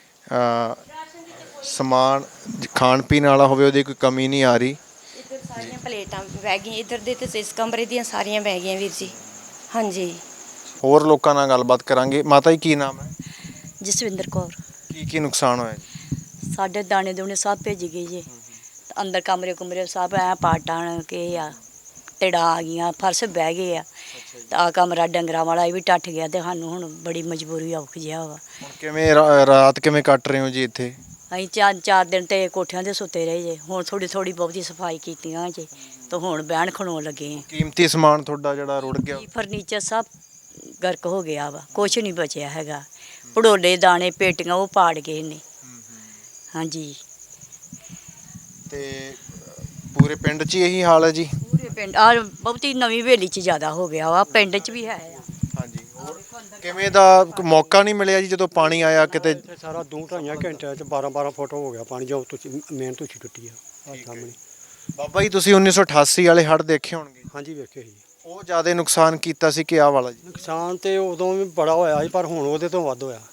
S2: ਸਮਾਨ ਖਾਣ ਪੀਣ ਵਾਲਾ ਹੋਵੇ ਉਹਦੀ ਕੋਈ ਕਮੀ ਨਹੀਂ ਆ ਰਹੀ।
S8: ਇੱਧਰ ਸਾਰੀਆਂ ਪਲੇਟਾਂ ਬਹਿ ਗਈਆਂ, ਇੱਧਰ ਦੇ ਤੇ ਇਸ ਕਮਰੇ ਦੀਆਂ ਸਾਰੀਆਂ ਬਹਿ ਗਈਆਂ ਵੀਰ ਜੀ। ਹਾਂਜੀ
S2: ਹੋਰ ਲੋਕਾਂ ਨਾਲ ਗੱਲਬਾਤ ਕਰਾਂਗੇ। ਮਾਤਾ ਜੀ ਕੀ ਨਾਮ ਹੈ?
S6: ਜਸਵਿੰਦਰ ਕੌਰ।
S2: ਕੀ ਨੁਕਸਾਨ ਹੋਇਆ ਜੀ?
S6: ਸਾਡੇ ਦਾਣੇ ਦੂਣੇ ਸਭ ਭਿੱਜ ਗਏ ਜੀ, ਅੰਦਰ ਕਮਰੇ ਕੁਮਰੇ ਸਭ ਐ ਪਾਟਾਂ ਕੇ ਆ, ਤੜਾਂ ਆ ਗਈਆਂ, ਫਰਸ਼ ਬਹਿ ਗਏ ਆ, ਤਾਂ ਆ ਕਮਰਾ ਡੰਗਰਾਂ ਵਾਲਾ ਇਹ ਵੀ ਟੱਟ ਗਿਆ, ਤੇ ਸਾਨੂੰ ਹੁਣ ਬੜੀ ਮਜਬੂਰੀ ਔਖ ਜਿਹਾ ਵਾ।
S2: ਹੁਣ ਕਿਵੇਂ ਰਾਤ ਕਿਵੇਂ ਕੱਟ ਰਹੇ ਹੋ ਜੀ ਇੱਥੇ?
S6: ਅਸੀਂ ਚਾਰ ਦਿਨ ਤੇ ਕੋਠਿਆਂ ਦੇ ਸੁੱਤੇ ਰਹੇ ਜੇ, ਹੁਣ ਥੋੜੀ ਬਹੁਤੀ ਸਫਾਈ ਕੀਤੀਆਂ ਜੇ, ਤੇ ਹੁਣ ਬਹਿਣ ਖਣੋਣ ਲੱਗੇ ਆ।
S2: ਕੀਮਤੀ ਸਮਾਨ ਤੁਹਾਡਾ ਜਿਹੜਾ ਰੁੜ ਗਿਆ?
S6: ਫਰਨੀਚਰ ਸਭ ਗਰਕ ਹੋ ਗਿਆ ਵਾ, ਕੁਛ ਨਹੀਂ ਬਚਿਆ ਹੈਗਾ। ਭੜੋਲੇ ਦਾਣੇ ਪੇਟੀਆਂ ਉਹ ਪਾੜ ਗਏ ਨੇ। ਹਾਂਜੀ
S2: ਤੇ ਪੂਰੇ ਪਿੰਡ 'ਚ ਹੀ ਇਹੀ ਹਾਲ ਹੈ ਜੀ?
S6: ਪੂਰੇ ਪਿੰਡ ਆ, ਬਹੁਤੀ ਨਵੀਂ ਹਵੇਲੀ 'ਚ ਜ਼ਿਆਦਾ ਹੋ ਗਿਆ ਵਾ, ਪਿੰਡ 'ਚ ਵੀ ਹੈ ਆ।
S2: ਹਾਂਜੀ ਹੋਰ ਕਿਵੇਂ ਦਾ ਮੌਕਾ ਨਹੀਂ ਮਿਲਿਆ ਜੀ ਜਦੋਂ ਪਾਣੀ ਆਇਆ ਕਿਤੇ?
S9: ਸਾਰਾ 2-2.5 ਘੰਟਿਆਂ 'ਚ 12 ਫੁੱਟ ਹੋ ਗਿਆ ਪਾਣੀ, ਜੋ ਤੁਸੀਂ ਮੇਨ ਤੁਸੀਂ ਟੁੱਟੀ ਆ ਸਾਹਮਣੇ।
S2: ਬਾਬਾ ਜੀ ਤੁਸੀਂ 1988 ਵਾਲੇ ਹੜ੍ਹ ਦੇਖੇ ਹੋਣਗੇ?
S9: ਹਾਂਜੀ ਵੇਖੇ ਸੀ।
S2: ਉਹ ਜ਼ਿਆਦਾ ਨੁਕਸਾਨ ਕੀਤਾ ਸੀ ਕਿ ਆਹ ਵਾਲਾ ਜੀ?
S9: ਨੁਕਸਾਨ ਤੇ ਉਦੋਂ ਵੀ ਬੜਾ ਹੋਇਆ ਸੀ, ਪਰ ਹੁਣ ਉਹਦੇ ਤੋਂ ਵੱਧ ਹੋਇਆ।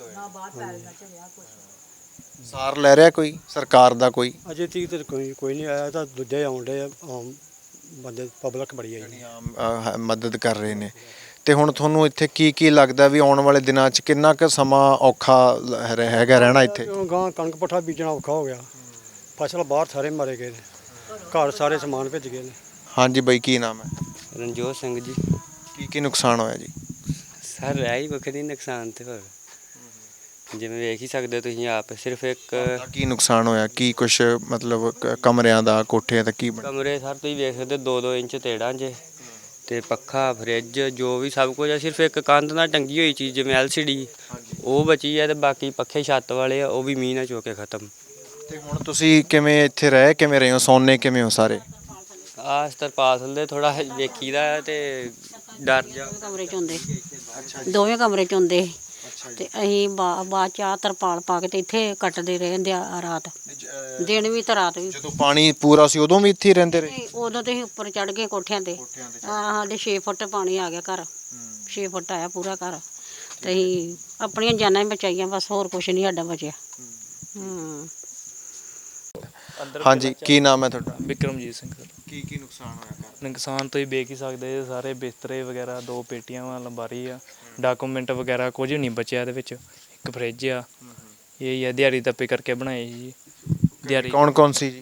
S2: ਸਾਰ ਲੈ ਰਿਹਾ ਕੋਈ ਸਰਕਾਰ ਦਾ? ਕੋਈ
S9: ਅਜੇ ਤੀਕ ਤੇ ਕੋਈ ਨਹੀਂ ਆਇਆ, ਤਾਂ ਦੂਜੇ ਆਉਂਦੇ ਆਮ ਬੰਦੇ, ਪਬਲਿਕ ਬੜੀ ਹੈ ਜੀ।
S2: ਆਮ ਮਦਦ ਕਰ ਰਹੇ ਨੇ। ਤੇ ਹੁਣ ਤੁਹਾਨੂੰ ਇੱਥੇ ਕੀ ਲੱਗਦਾ ਵੀ ਆਉਣ ਵਾਲੇ ਦਿਨਾਂ 'ਚ ਕਿੰਨਾ ਕੁ ਸਮਾਂ ਔਖਾ ਹੈਗਾ ਰਹਿਣਾ ਇੱਥੇ?
S9: ਗਾਂ ਕਣਕ ਪੱਠਾ ਬੀਜਣਾ ਔਖਾ ਹੋ ਗਿਆ, ਫਸਲ ਬਾਹਰ ਸਾਰੇ ਮਾਰੇ ਗਏ ਨੇ, ਘਰ ਸਾਰੇ ਸਮਾਨ ਭਿੱਜ ਗਏ ਨੇ।
S2: ਹਾਂਜੀ ਬਾਈ ਕੀ ਨਾਮ ਹੈ?
S5: ਰਣਜੋਤ ਸਿੰਘ ਜੀ।
S2: ਕੀ ਨੁਕਸਾਨ ਹੋਇਆ ਜੀ?
S5: ਸਰ ਰਹਿ ਹੀ ਵੱਖਰੀ ਨੁਕਸਾਨ ਤੇ ਹੋਰ ਜਿਵੇਂ ਵੇਖ ਹੀ ਸਕਦੇ ਹੋ ਤੁਸੀਂ ਆਪ, ਸਿਰਫ ਇੱਕ
S2: ਕੀ ਨੁਕਸਾਨ ਹੋਇਆ? ਕੀ ਕੁਛ ਮਤਲਬ ਕਮਰਿਆਂ ਦਾ, ਕੋਠਿਆਂ ਦਾ ਕੀ
S5: ਕਮਰੇ ਸਰ ਤੁਸੀਂ ਵੇਖ ਸਕਦੇ 2-2 ਇੰਚ ਤੇੜਾਂ 'ਚ, ਤੇ ਪੱਖਾ, ਫਰਿੱਜ, ਜੋ ਵੀ ਸਭ ਕੁਝ ਆ, ਸਿਰਫ ਇੱਕ ਕੰਧ ਨਾਲ ਟੰਗੀ ਹੋਈ ਚੀਜ਼ ਜਿਵੇਂ LCD ਉਹ ਬਚੀ ਹੈ, ਤੇ ਬਾਕੀ ਪੱਖੇ ਛੱਤ ਵਾਲੇ ਆ ਉਹ ਵੀ ਮੀਂਹ ਨਾਲ ਚੋ ਕੇ ਖਤਮ।
S2: ਤੇ ਹੁਣ ਤੁਸੀਂ ਕਿਵੇਂ ਇੱਥੇ ਕਿਵੇਂ ਰਹੇ ਹੋ, ਸੌਂਨੇ ਕਿਵੇਂ ਹੋ ਸਾਰੇ?
S5: ਆਸ ਤਰਪਾਲ ਦੇ ਥੋੜਾ ਵੇਖੀਦਾ ਤੇ ਡਰ ਜਾ।
S1: ਕਮਰੇ 'ਚ ਹੁੰਦੇ, ਦੋਵੇਂ ਕਮਰੇ 'ਚ ਹੁੰਦੇ, ਤੇ ਅਸੀਂ ਬਾਅਦ 'ਚ ਆਹ ਤਰਪਾਲ ਪਾ ਕੇ ਤੇ ਇੱਥੇ ਕੱਟਦੇ ਰਹੇ ਰਾਤ, ਦਿਨ ਵੀ ਤੇ ਰਾਤ ਵੀ।
S2: ਜਦੋਂ ਪਾਣੀ ਪੂਰਾ ਸੀ ਉਦੋਂ ਵੀ ਇੱਥੇ ਹੀ ਰਹਿੰਦੇ ਰਹੇ?
S1: ਉਦੋਂ ਤੇ ਅਸੀਂ ਉੱਪਰ ਚੜ ਗਏ ਕੋਠਿਆਂ ਤੇ, ਸਾਡੇ 6 ਫੁੱਟ ਪਾਣੀ ਆ ਗਿਆ ਘਰ, 6 ਫੁੱਟ ਆਇਆ ਪੂਰਾ ਘਰ, ਤੇ ਅਸੀਂ ਆਪਣੀਆਂ ਜਾਨਾਂ ਹੀ ਬਚਾਈਆਂ ਬਸ, ਹੋਰ ਕੁਛ ਨਹੀਂ ਸਾਡਾ ਬਚਿਆ।
S2: ਹਾਂਜੀ ਕੀ ਨਾਮ ਹੈ ਤੁਹਾਡਾ?
S10: ਵਿਕਰਮਜੀਤ ਸਿੰਘ ਸਰ।
S2: ਕੀ ਨੁਕਸਾਨ ਹੋਇਆ?
S10: ਨੁਕਸਾਨ ਤੁਸੀਂ ਵੇਖ ਹੀ ਸਕਦੇ ਜੇ, ਸਾਰੇ ਬਿਸਤਰੇ ਵਗੈਰਾ, 2 ਪੇਟੀਆਂ ਵਾ, ਅਲਮਾਰੀ ਆ, ਡਾਕੂਮੈਂਟ ਵਗੈਰਾ ਕੁਝ ਨਹੀਂ ਬਚਿਆ ਇਹਦੇ ਵਿੱਚ, ਇੱਕ ਫਰਿੱਜ ਆ, ਇਹ ਹੀ ਆ ਦਿਹਾੜੀ ਦੱਪੇ ਕਰਕੇ ਬਣਾਏ ਜੀ। ਦਿਹਾੜੀ
S2: ਕੌਣ ਸੀ ਜੀ?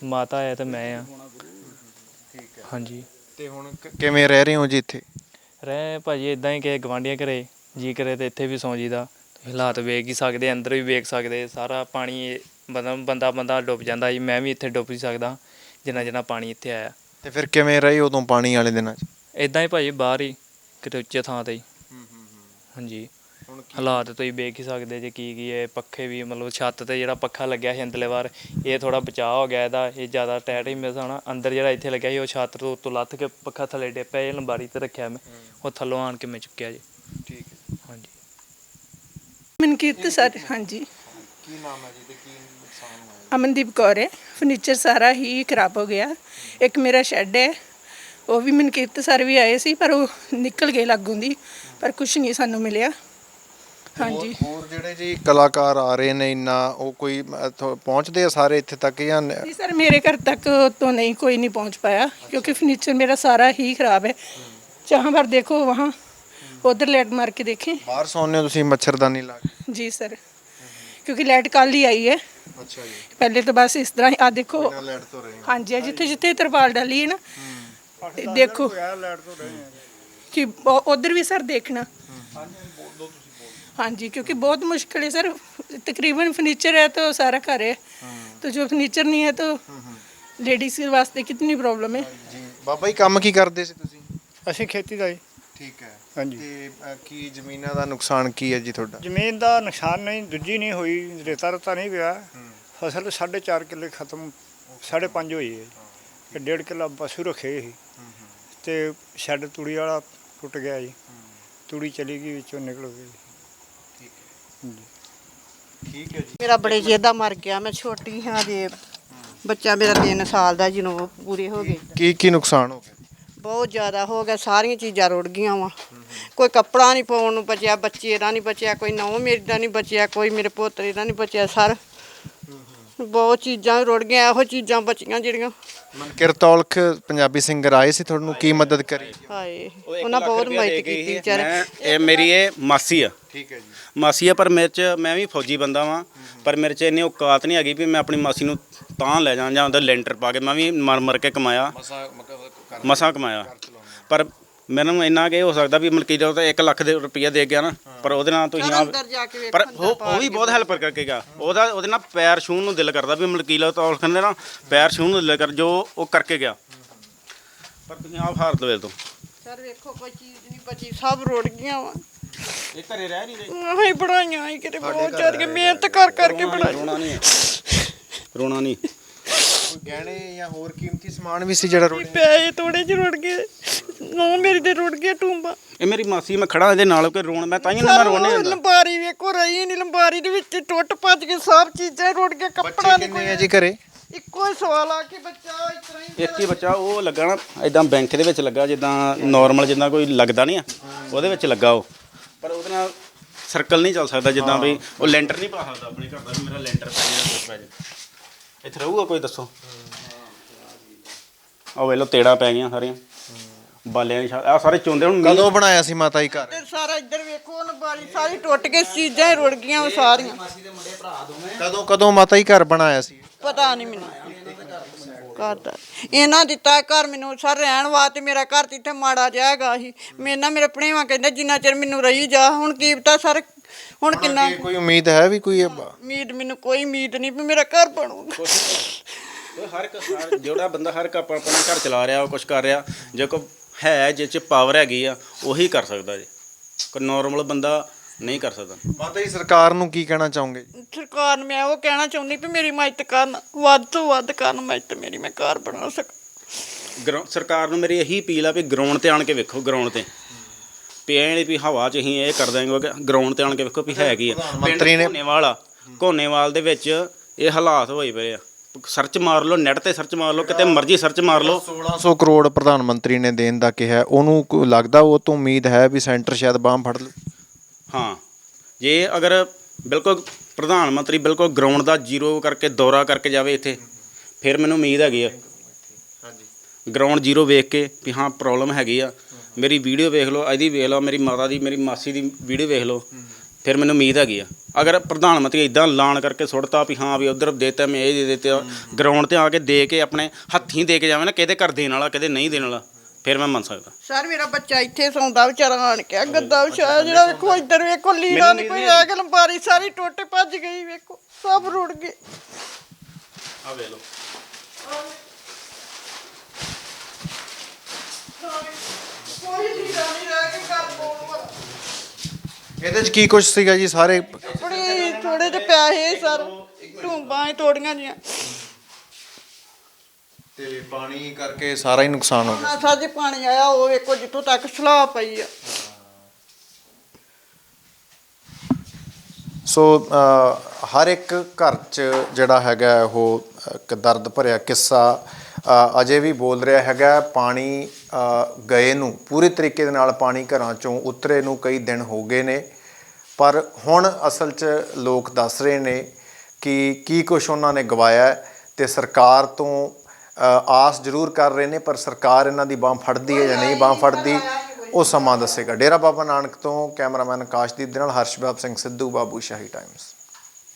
S10: ਮਾਤਾ ਹੈ ਤੇ ਮੈਂ ਆ। ਹਾਂਜੀ।
S2: ਤੇ ਹੁਣ ਕਿਵੇਂ ਰਹਿ ਰਹੇ ਹੋ ਜੀ ਇੱਥੇ?
S10: ਰਹਿ ਭਾਜੀ ਇਦਾਂ ਹੀ ਕਿ ਗਵਾਂਢੀਆਂ ਘਰੇ ਜੀ ਕਰੇ ਤੇ ਇੱਥੇ ਵੀ ਸੌਂ ਜੀਦਾ। ਹਾਲਾਤ ਵੇਖ ਹੀ ਸਕਦੇ, ਅੰਦਰ ਵੀ ਵੇਖ ਸਕਦੇ, ਸਾਰਾ ਪਾਣੀ ਬੰਦਾ ਡੁੱਬ ਜਾਂਦਾ ਜੀ। ਮੈਂ ਵੀ ਇੱਥੇ ਡੁੱਬ ਹੀ ਸਕਦਾ ਜਿੰਨਾ ਪਾਣੀ ਇੱਥੇ ਆਇਆ।
S2: ਤੇ ਫਿਰ ਕਿਵੇਂ ਰਹੇ ਉਦੋਂ ਪਾਣੀ ਵਾਲੇ ਦਿਨਾਂ 'ਚ?
S10: ਇਦਾਂ ਹੀ ਭਾਜੀ ਬਾਹਰ ਹੀ ਕਿਤੇ ਉੱਚੇ ਥਾਂ 'ਤੇ ਹੀ। ਹਾਂਜੀ। ਹਾਲਾਤ ਤੁਸੀਂ ਵੇਖ ਹੀ ਸਕਦੇ ਜੇ ਕੀ ਹੈ। ਪੱਖੇ ਵੀ ਮਤਲਬ ਛੱਤ 'ਤੇ ਜਿਹੜਾ ਪੱਖਾ ਲੱਗਿਆ ਸੀ ਅੰਦਰਲੇ ਵਾਰ, ਇਹ ਥੋੜ੍ਹਾ ਬਚਾਅ ਹੋ ਗਿਆ ਇਹਦਾ, ਇਹ ਜ਼ਿਆਦਾ ਟਾਇਟ ਹੀ ਮੇਰੇ ਹਿਸਾਬ ਨਾਲ। ਅੰਦਰ ਜਿਹੜਾ ਇੱਥੇ ਲੱਗਿਆ ਸੀ ਉਹ ਛੱਤ ਤੋਂ ਉੱਤੋਂ ਲੱਥ ਕੇ ਪੱਖਾ ਥੱਲੇ ਡਿੱਗ ਪਿਆ। ਇਹ ਲੰਬਾਰੀ 'ਤੇ ਰੱਖਿਆ ਮੈਂ, ਉਹ ਥੱਲੋਂ ਆਣ ਕੇ ਮੈਂ ਚੁੱਕਿਆ ਜੀ।
S2: ਠੀਕ ਹੈ।
S10: ਹਾਂਜੀ।
S11: ਮਨਕੀਰਤ ਸਰ। ਹਾਂਜੀ।
S2: ਕੀ ਨਾਮ ਹੈ ਜੀ ਤੇ ਕੀ ਨੁਕਸਾਨ ਹੋਇਆ?
S11: ਅਮਨਦੀਪ ਕੌਰ ਹੈ। ਫਰਨੀਚਰ ਸਾਰਾ ਹੀ ਖਰਾਬ ਹੋ ਗਿਆ। ਇੱਕ ਮੇਰਾ ਸ਼ੈੱਡ ਹੈ, ਉਹ ਵੀ ਮਨਕੀਰਤ ਸਰ ਵੀ ਆਏ ਸੀ ਪਰ ਉਹ ਨਿਕਲ ਗਏ ਲਾਗੋਂ ਦੀ, ਪਰ ਕੁਝ ਨਹੀਂ ਸਾਨੂੰ ਮਿਲਿਆ। ਹਾਂਜੀ।
S2: ਹੋਰ ਜਿਹੜੇ ਜੀ ਕਲਾਕਾਰ ਆ ਰਹੇ ਨੇ ਇੰਨਾ, ਉਹ ਕੋਈ ਪਹੁੰਚਦੇ ਆ ਸਾਰੇ ਇੱਥੇ ਤੱਕ ਜਾਂ?
S11: ਨਹੀਂ ਸਰ, ਮੇਰੇ ਘਰ ਤੱਕ तो नहीं, कोई नहीं पहुंच पाया क्योंकि फर्नीचर मेरा सारा ही ख़राब है। जहाँ पर देखो वहाँ उधर लाइट मार के देखें।
S2: ਬਾਹਰ ਸੌਂਦੇ ਹੋ ਤੁਸੀਂ ਮੱਛਰਦਾਨੀ ਲਾ ਕੇ?
S11: जी सर, क्योंकि लाइट कल ही आई है।
S2: ਅੱਛਾ ਜੀ।
S11: पहले तो बस इस तरह आ देखो।
S2: ਲਾਈਟ ਤੋਂ ਰਹੇ?
S11: हाँ जी, जिथे जिथे तरपाल डाली है ना, देखो कि उधर भी सर देखना। हाँ जी, क्योंकि बहुत मुश्किल है सर। तकरीबन फर्नीचर है तो सारा घर है, तो जो फर्नीचर नहीं है तो लेडीज़ के वास्ते कितनी प्रॉब्लम है।
S2: ਜੀ ਬਾਬਾ ਜੀ ਕੰਮ ਕੀ ਕਰਦੇ ਸੀ ਤੁਸੀਂ?
S9: ਅਸੀਂ ਖੇਤੀ ਦਾ ਜੀ।
S2: ਠੀਕ ਹੈ।
S9: ਹਾਂਜੀ।
S2: ਤੇ ਕੀ ਜ਼ਮੀਨਾਂ ਦਾ ਨੁਕਸਾਨ ਕੀ ਹੈ ਜੀ ਤੁਹਾਡਾ?
S9: ਜ਼ਮੀਨ ਦਾ ਨੁਕਸਾਨ ਨਹੀਂ, ਦੂਜੀ ਨਹੀਂ ਹੋਈ, ਰੇਤਾ ਰਤਾ ਨਹੀਂ ਪਿਆ। ਫਸਲ 4.5 ਕਿੱਲੇ ਖਤਮ, 5.5 ਹੋਈ ਹੈ। ਤੇ 1.5 ਕਿੱਲਾ ਪਸ਼ੂ ਰੱਖੇ ਸੀ ਤੇ ਸ਼ੈੱਡ ਤੂੜੀ ਵਾਲਾ ਟੁੱਟ ਗਿਆ ਜੀ। ਤੂੜੀ ਚਲੀ ਗਈ, ਵਿੱਚੋਂ ਨਿਕਲ ਗਈ।
S2: ਠੀਕ ਹੈ ਜੀ।
S12: ਮੇਰਾ ਬੜੇ ਚਿਰ ਦਾ ਮਰ ਗਿਆ। ਮੈਂ ਛੋਟੀ ਹਾਂ ਜੇ ਬੱਚਾ ਮੇਰਾ 3 ਸਾਲ ਦਾ ਜਦੋਂ ਪੂਰੇ ਹੋ ਗਏ।
S2: ਕੀ ਨੁਕਸਾਨ ਹੋ ਗਿਆ?
S12: ਬਹੁਤ ਜ਼ਿਆਦਾ ਹੋ ਗਿਆ, ਸਾਰੀਆਂ ਚੀਜ਼ਾਂ ਰੁੜ ਗਈਆਂ ਵਾ। ਕੋਈ ਕੱਪੜਾ ਨਹੀਂ ਪਾਉਣ ਨੂੰ ਬਚਿਆ, ਬੱਚੇ ਦਾ ਨਹੀਂ ਬਚਿਆ, ਕੋਈ ਨਹੁੰ ਮੇਰੀ ਦਾ ਨਹੀਂ ਬਚਿਆ, ਕੋਈ ਮੇਰੇ ਪੋਤਰੇ ਦਾ ਨਹੀਂ ਬਚਿਆ। ਸਰ ਬਹੁਤ ਚੀਜ਼ਾਂ ਰੁੜ ਗਈਆਂ, ਇਹੋ ਚੀਜ਼ਾਂ ਬਚੀਆਂ ਜਿਹੜੀਆਂ।
S2: ਮਨਕਿਰਤ ਔਲਖ ਪੰਜਾਬੀ ਸਿੰਗਰ ਆਏ ਸੀ, ਤੁਹਾਨੂੰ ਕੀ ਮਦਦ ਕਰੀ?
S12: ਹਾਏ, ਉਹਨਾਂ ਬਹੁਤ ਮਦਦ ਕੀਤੀ ਵਿਚਾਰੇ।
S13: ਇਹ ਮੇਰੀ ਮਾਸੀ ਆ।
S2: ਠੀਕ ਹੈ ਜੀ।
S13: ਮਾਸੀ ਆ, ਪਰ ਮੇਰੇ 'ਚ ਮੈਂ ਵੀ ਫੌਜੀ ਬੰਦਾ ਵਾਂ, ਪਰ ਮੇਰੇ 'ਚ ਇੰਨੀ ਔਕਾਤ ਨਹੀਂ ਹੈਗੀ ਵੀ ਮੈਂ ਆਪਣੀ ਮਾਸੀ ਨੂੰ ਤਾਂ ਲੈ ਜਾਂ ਉਹਦਾ ਲੈਂਟਰ ਪਾ ਕੇ। ਮੈਂ ਵੀ ਮਰ ਕੇ ਕਮਾਇਆ, ਮਸਾਂ ਕਮਾਇਆ। ਪਰ ਮੈਨੂੰ ਇੰਨਾ ਕਿ ਹੋ ਸਕਦਾ ਵੀ ਮਲਕੀਤ ਤਾਂ 1 ਲੱਖ ਦੇ ਰੁਪਈਆ ਦੇ ਗਿਆ ਨਾ, ਪਰ ਉਹਦੇ ਨਾਲ ਤੁਸੀਂ ਪਰ ਉਹ ਵੀ ਬਹੁਤ ਹੈਲਪ ਕਰਕੇ ਗਿਆ। ਉਹਦੇ ਨਾਲ ਪੈਰ ਛੂਹਣ ਨੂੰ ਦਿਲ ਕਰਦਾ ਵੀ ਮਲਕੀਤ ਤਾਂ ਕਹਿੰਦੇ ਨਾ ਪੈਰ ਛੂਹਣ ਨੂੰ ਦਿਲ ਕਰ, ਜੋ ਉਹ ਕਰਕੇ ਗਿਆ। ਪਰ ਤੁਸੀਂ ਆਪ ਹਾਰ ਦਵੇ ਤੋਂ
S12: ਸਰ ਵੇਖੋ, ਕੋਈ ਚੀਜ਼ ਨਹੀਂ ਬਚੀ, ਸਭ ਰੁੜ ਗਈਆਂ ਵਾ।
S13: ਇਹ ਘਰੇ ਰਹਿ ਨਹੀਂ ਰਹੇ।
S12: ਆਹੀ ਬਣਾਈਆਂ ਹੀ ਕਿਤੇ ਬਹੁਤ ਜ਼ਿਆਦਾ ਮਿਹਨਤ ਕਰਕੇ ਬਣਾਈ।
S13: ਰੋਣਾ ਨਹੀਂ।
S2: ਕੋਈ ਗਹਿਣੇ ਜਾਂ ਹੋਰ ਕੀਮਤੀ ਸਮਾਨ ਵੀ ਸੀ ਜਿਹੜਾ ਰੁੜ ਗਿਆ?
S12: ਪੈਸੇ ਥੋੜੇ ਜਿਹੇ ਰੁੜ ਗਏ, ਨਹੁੰ ਮੇਰੀ ਦੇ ਰੁੜ ਗਿਆ ਟੂੰਬਾ।
S13: ਇਹ ਮੇਰੀ ਮਾਸੀ, ਮੈਂ ਖੜਾ ਇਹਦੇ ਨਾਲ ਕਿ ਰੋਣ, ਮੈਂ ਤਾਂ ਹੀ ਨਾ ਰੋਣੇ ਹੁੰਦਾ।
S12: ਲੰਬਾਰੀ ਵੇਖੋ ਰਹੀ ਨਹੀਂ, ਲੰਬਾਰੀ ਦੇ ਵਿੱਚ ਟੁੱਟ ਭੱਜ ਕੇ ਸਭ ਚੀਜ਼ਾਂ ਰੁੜ ਗਿਆ। ਕੱਪੜਾ ਨਹੀਂ
S2: ਕਿੰਨੇ ਆ ਜੀ ਘਰੇ?
S12: ਇੱਕੋ ਹੀ ਸਵਾਲ ਆ ਕਿ ਬੱਚਾ ਇਸ ਤਰ੍ਹਾਂ ਹੀ
S13: ਇੱਕ ਹੀ ਬੱਚਾ, ਉਹ ਲੱਗਾ ਨਾ ਇਦਾਂ ਬੈਂਕ ਦੇ ਵਿੱਚ ਲੱਗਾ, ਜਿੱਦਾਂ ਨਾਰਮਲ ਜਿੱਦਾਂ ਕੋਈ ਲੱਗਦਾ ਨਹੀਂ ਆ, ਉਹਦੇ ਵਿੱਚ ਲੱਗਾ ਉਹ। ਪਰ ਉਹਦੇ ਨਾਲ ਸਰਕਲ ਨਹੀਂ ਚੱਲ ਸਕਦਾ, ਜਿੱਦਾਂ ਵੀ ਉਹ ਲੈਂਟਰ ਨਹੀਂ ਪਾ ਸਕਦਾ ਆਪਣੇ ਘਰ ਦਾ ਵੀ ਮੇਰਾ ਲੈਂਟਰ ਪੈ ਜਾਣਾ, ਕੁਛ ਪੈ ਜਾਏ। ਇੱਥੇ ਰਹੂਗਾ ਕੋਈ? ਦੱਸੋ। ਆਹ ਵੇਖ ਲਓ ਤੇੜਾ ਪੈ ਗਈਆਂ ਸਾਰੀਆਂ ਬਾਲਿਆਂ ਦੀ। ਆ ਸਾਰੇ ਚੁੰਦੇ। ਹੁਣ
S2: ਕਦੋਂ ਬਣਾਇਆ ਸੀ ਮਾਤਾ ਜੀ ਘਰ?
S12: ਤੇ ਸਾਰਾ ਇੱਧਰ ਵੇਖੋ, ਲੰਬਾਰੀ ਸਾਰੀ ਟੁੱਟ ਕੇ ਚੀਜ਼ਾਂ ਹੀ ਰੁੜ ਗਈਆਂ ਸਾਰੀਆਂ।
S2: ਕਦੋਂ ਮਾਤਾ ਜੀ ਘਰ ਬਣਾਇਆ ਸੀ?
S12: ਪਤਾ ਨਹੀਂ ਮੈਨੂੰ ਘਰ ਦਾ। ਇਹਨਾਂ ਦਿੱਤਾ ਘਰ ਮੈਨੂੰ ਸਰ ਰਹਿਣ ਵਾਸਤੇ। ਮੇਰਾ ਘਰ ਤੇ ਇੱਥੇ ਮਾੜਾ ਜਾਏਗਾ ਸੀ। ਮੇਰੇ ਭਣੇਵਾਂ ਕਹਿੰਦੇ ਜਿੰਨਾ ਚਿਰ ਮੈਨੂੰ ਰਹੀ ਜਾ। ਹੁਣ ਕੀ ਪਤਾ ਸਰ, ਹੁਣ ਕਿੰਨਾ
S2: ਕੋਈ ਉਮੀਦ ਹੈ ਵੀ ਕੋਈ?
S12: ਉਮੀਦ ਮੈਨੂੰ ਕੋਈ ਉਮੀਦ ਨਹੀਂ ਵੀ ਮੇਰਾ ਘਰ ਬਣੂਗਾ।
S13: ਹਰ ਇੱਕ ਜਿਹੜਾ ਬੰਦਾ ਹਰ ਇੱਕ ਆਪਣਾ ਘਰ ਚਲਾ ਰਿਹਾ, ਉਹ ਕੁਛ ਕਰ ਰਿਹਾ। ਜੇ ਕੋਈ ਹੈ ਜਿਹ 'ਚ ਪਾਵਰ ਹੈਗੀ ਆ, ਉਹੀ ਕਰ ਸਕਦਾ ਜੀ। ਕੋਈ ਨੋਰਮਲ ਬੰਦਾ ਨਹੀਂ ਕਰ ਸਕਦਾ।
S2: ਮਾਤਾ ਜੀ ਸਰਕਾਰ ਨੂੰ ਕੀ ਕਹਿਣਾ ਚਾਹੋਗੇ?
S12: ਸਰਕਾਰ ਨੂੰ ਮੈਂ ਉਹ ਕਹਿਣਾ ਚਾਹੁੰਦੀ ਵੀ ਮੇਰੀ ਮਦਦ ਕਰਨ, ਵੱਧ ਤੋਂ ਵੱਧ ਕਰਨ ਮਦਦ ਮੇਰੀ, ਮੈਂ ਘਰ ਬਣਾ ਸਕਾਂ।
S13: ਸਰਕਾਰ ਨੂੰ ਮੇਰੀ ਇਹੀ ਅਪੀਲ ਆ ਵੀ ਗਰਾਊਂਡ ਤੇ ਆਣ ਕੇ ਵੇਖੋ। ਗਰਾਊਂਡ ਤੇ ਵੀ ਐਂ ਨਹੀਂ ਵੀ ਹਵਾ 'ਚ ਅਸੀਂ ਇਹ ਕਰ ਦਾਂਗੇ। ਗਰਾਊਂਡ ਤੇ ਆਣ ਕੇ ਵੇਖੋ ਵੀ ਹੈ ਕੀ ਆ।
S2: ਮੰਤਰੀ ਨੇ
S13: ਘੋਨੇਵਾਲ ਦੇ ਵਿੱਚ ਇਹ ਹਾਲਾਤ ਹੋਏ ਪਏ ਆ। ਸਰਚ ਮਾਰ ਲਓ, ਨੈਟ ਤੇ ਸਰਚ ਮਾਰ ਲਓ, ਕਿਤੇ ਮਰਜ਼ੀ ਸਰਚ ਮਾਰ ਲਓ।
S2: 1600 ਕਰੋੜ ਪ੍ਰਧਾਨ ਮੰਤਰੀ ਨੇ ਦੇਣ ਦਾ ਕਿਹਾ। ਉਹਨੂੰ ਲੱਗਦਾ ਉਹ ਤੋਂ ਉਮੀਦ ਹੈ ਵੀ ਸੈਂਟਰ ਸ਼ਾਇਦ ਬਾਂਹ ਫੜ ਲੂ?
S13: ਹਾਂ, ਜੇ ਅਗਰ ਬਿਲਕੁਲ ਪ੍ਰਧਾਨ ਮੰਤਰੀ ਬਿਲਕੁਲ ਗਰਾਊਂਡ ਦਾ ਜ਼ੀਰੋ ਕਰਕੇ ਦੌਰਾ ਕਰਕੇ ਜਾਵੇ ਇੱਥੇ, ਫਿਰ ਮੈਨੂੰ ਉਮੀਦ ਹੈਗੀ ਆ। ਗਰਾਊਂਡ ਜ਼ੀਰੋ ਵੇਖ ਕੇ ਵੀ ਹਾਂ ਪ੍ਰੋਬਲਮ ਹੈਗੀ ਆ। ਮੇਰੀ ਵੀਡੀਓ ਵੇਖ ਲਓ, ਇਹਦੀ ਵੇਖ ਲਓ, ਮੇਰੀ ਮਾਤਾ ਦੀ, ਮੇਰੀ ਮਾਸੀ ਦੀ ਵੀਡੀਓ ਵੇਖ ਲਓ, ਫਿਰ ਮੈਨੂੰ ਉਮੀਦ ਹੈਗੀ ਆ। ਅਗਰ ਪ੍ਰਧਾਨ ਮੰਤਰੀ ਇਦਾਂ ਐਲਾਨ ਕਰਕੇ ਸੁੱਟਤਾ ਵੀ ਹਾਂ ਵੀ ਉਧਰ ਦੇਤਾ ਮੈਂ ਇਹ ਦੇ ਦਿੱਤਾ, ਗਰਾਊਂਡ ਤੇ ਆ ਕੇ ਦੇ ਕੇ ਆਪਣੇ ਹੱਥੀਂ ਦੇ ਕੇ ਜਾਵੇ ਨਾ, ਕਿਹਦੇ ਘਰ ਦੇਣ ਵਾਲਾ ਕਿਹਦੇ ਨਹੀਂ ਦੇਣ ਵਾਲਾ, ਫਿਰ ਮੈਂ ਮੰਨ ਸਕਦਾ।
S12: ਸਰ ਮੇਰਾ ਬੱਚਾ ਇੱਥੇ ਸੌਂਦਾ ਵਿਚਾਰਾ ਆਣ ਕੇ ਗੱਦਾ ਵਿਛਾਇਆ, ਜਿਹੜਾ ਵੇਖੋ ਇੱਧਰ ਵੇਖੋ ਲੀੜਾ ਨਹੀਂ ਕੋਈ ਰਹਿ ਗਿਆ, ਲੰਬਾਰੀ ਸਾਰੀ ਟੁੱਟ ਭੱਜ ਗਈ, ਵੇਖੋ ਸਭ ਰੁੜ ਗਏ।
S13: ਆ ਵੇਖ ਲਓ
S12: ਕੋਈ ਲੀੜਾ ਨਹੀਂ ਰਹਿ ਕੇ ਘਰ ਪਾਉਣ ਵਾਲਾ।
S2: ਇਹਦੇ 'ਚ ਕੀ ਕੁਝ ਸੀਗਾ ਜੀ? ਸਾਰੇ
S12: ਬੜੇ ਥੋੜੇ ਜਿਹੇ ਪੈਸੇ ਸਰ, ਢੂੰਬਾਂ ਹੀ ਤੋੜੀਆਂ ਜੀਆਂ।
S2: ਤੇ ਪਾਣੀ ਕਰਕੇ ਸਾਰਾ ਹੀ ਨੁਕਸਾਨ ਹੋ ਗਿਆ।
S12: ਨਾ ਸਾਜੇ ਪਾਣੀ ਆਇਆ, ਉਹ ਵੇਖੋ ਜਿੱਥੋਂ ਤੱਕ ਸਲਾਹ ਪਈ ਆ।
S2: ਸੋ ਹਰ ਇੱਕ ਘਰ 'ਚ ਜਿਹੜਾ ਹੈਗਾ ਉਹ ਇੱਕ ਦਰਦ ਭਰਿਆ ਕਿੱਸਾ ਅਜੇ ਵੀ ਬੋਲ ਰਿਹਾ ਹੈਗਾ। ਪਾਣੀ ਗਏ ਨੂੰ ਪੂਰੇ ਤਰੀਕੇ ਦੇ ਨਾਲ ਪਾਣੀ ਘਰਾਂ 'ਚੋਂ ਉਤਰੇ ਨੂੰ ਕਈ ਦਿਨ ਹੋ ਗਏ ਨੇ, ਪਰ ਹੁਣ ਅਸਲ 'ਚ ਲੋਕ ਦੱਸ ਰਹੇ ਨੇ ਕਿ ਕੀ ਕੁਛ ਉਹਨਾਂ ਨੇ ਗਵਾਇਆ, ਤੇ ਸਰਕਾਰ ਤੋਂ ਆਸ ਜ਼ਰੂਰ ਕਰ ਰਹੇ ਨੇ, ਪਰ ਸਰਕਾਰ ਇਹਨਾਂ ਦੀ ਬਾਂਹ ਫੜਦੀ ਹੈ ਜਾਂ ਨਹੀਂ ਬਾਂਹ ਫੜਦੀ ਉਹ ਸਮਾਂ ਦੱਸੇਗਾ। ਡੇਰਾ ਬਾਬਾ ਨਾਨਕ ਤੋਂ ਕੈਮਰਾਮੈਨ ਆਕਾਸ਼ਦੀਪ ਦੇ ਨਾਲ ਹਰਸ਼ਬਾਬ ਸਿੰਘ ਸਿੱਧੂ, ਬਾਬੂ ਸ਼ਾਹੀ ਟਾਈਮਸ।